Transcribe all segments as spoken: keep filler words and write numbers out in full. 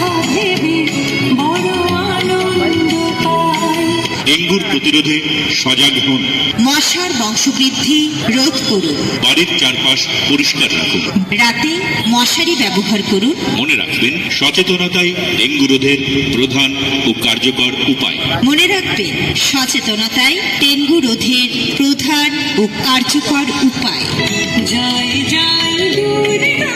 ডেঙ্গুর প্রতিরোধে সজাগ হন। মশার বংশবৃদ্ধি রোধ করুন। বাড়ির চারপাশ পরিষ্কার রাখুন। রাতে মশারি ব্যবহার করুন। মনে রাখবেন, সচেতনতাই ডেঙ্গু রোধের প্রধান ও কার্যকর উপায়। মনে রাখবেন, সচেতনতাই ডেঙ্গু রোধের প্রধান ও কার্যকর উপায়। জয় জয় দুর্গা।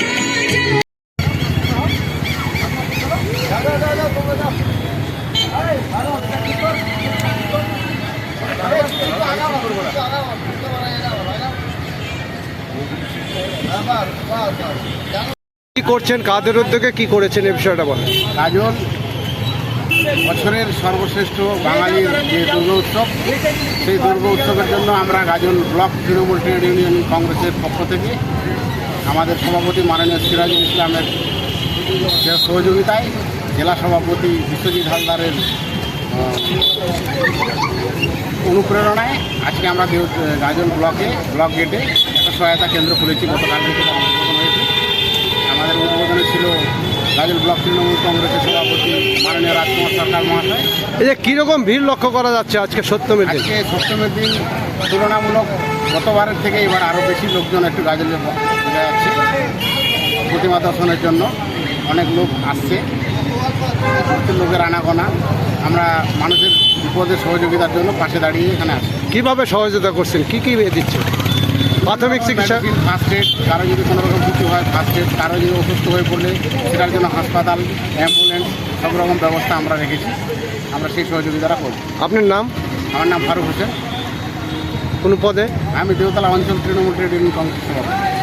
কি করছেন, কাদের উদ্যোগে কি করেছেন এই বিষয়টা বলেন। গাজন বছরের সর্বশ্রেষ্ঠ বাঙালির যে দুর্গা উৎসব, সেই দুর্গা উৎসবের জন্য আমরা Gajan block Trinamool trade union কংগ্রেসের পক্ষ থেকে আমাদের সভাপতি মাননীয় সিরাজুল ইসলামের যে সহযোগিতায় জেলা সভাপতি বিশ্বজিৎ হালদারের অনুপ্রেরণায় আজকে আমরা গাজন ব্লকে ব্লক গেটে একটা সহায়তা কেন্দ্র খুলেছি। গতকাল থেকে উদ্বোধন হয়েছে। আমাদের উদ্বোধনে ছিল গাজন ব্লক তৃণমূল কংগ্রেসের সভাপতি মাননীয় রাজকুমার সরকার মহাশয়। এই যে কীরকম ভিড় লক্ষ্য করা যাচ্ছে আজকে সপ্তমীর দিন? আজকে সপ্তমীর দিন তুলনামূলক গতবারের থেকে এবার আরও বেশি লোকজন একটু গাজলে বোঝা যাচ্ছে। প্রতিমা দর্শনের জন্য অনেক লোক আসছে, লোকের আনাগোনা। আমরা মানুষের বিপদে সহযোগিতার জন্য পাশে দাঁড়িয়ে এখানে আসি। কীভাবে সহযোগিতা করছেন, কী কী দিচ্ছেন? প্রাথমিক চিকিৎসা, ফার্স্ট এড, কারো যদি কোনো রকম কিছু হয় ফার্স্ট এড, কারো যদি অসুস্থ হয়ে পড়লে সেটার জন্য হাসপাতাল, অ্যাম্বুলেন্স সব রকম ব্যবস্থা আমরা রেখেছি। আমরা সেই সহযোগিতাটা করব। আপনার নাম? আমার নাম ফারুক হোসেন। কোন পদে? আমি দেওতলা অঞ্চল তৃণমূল ট্রেড ইউনিয়ন কংগ্রেস সভাপতি।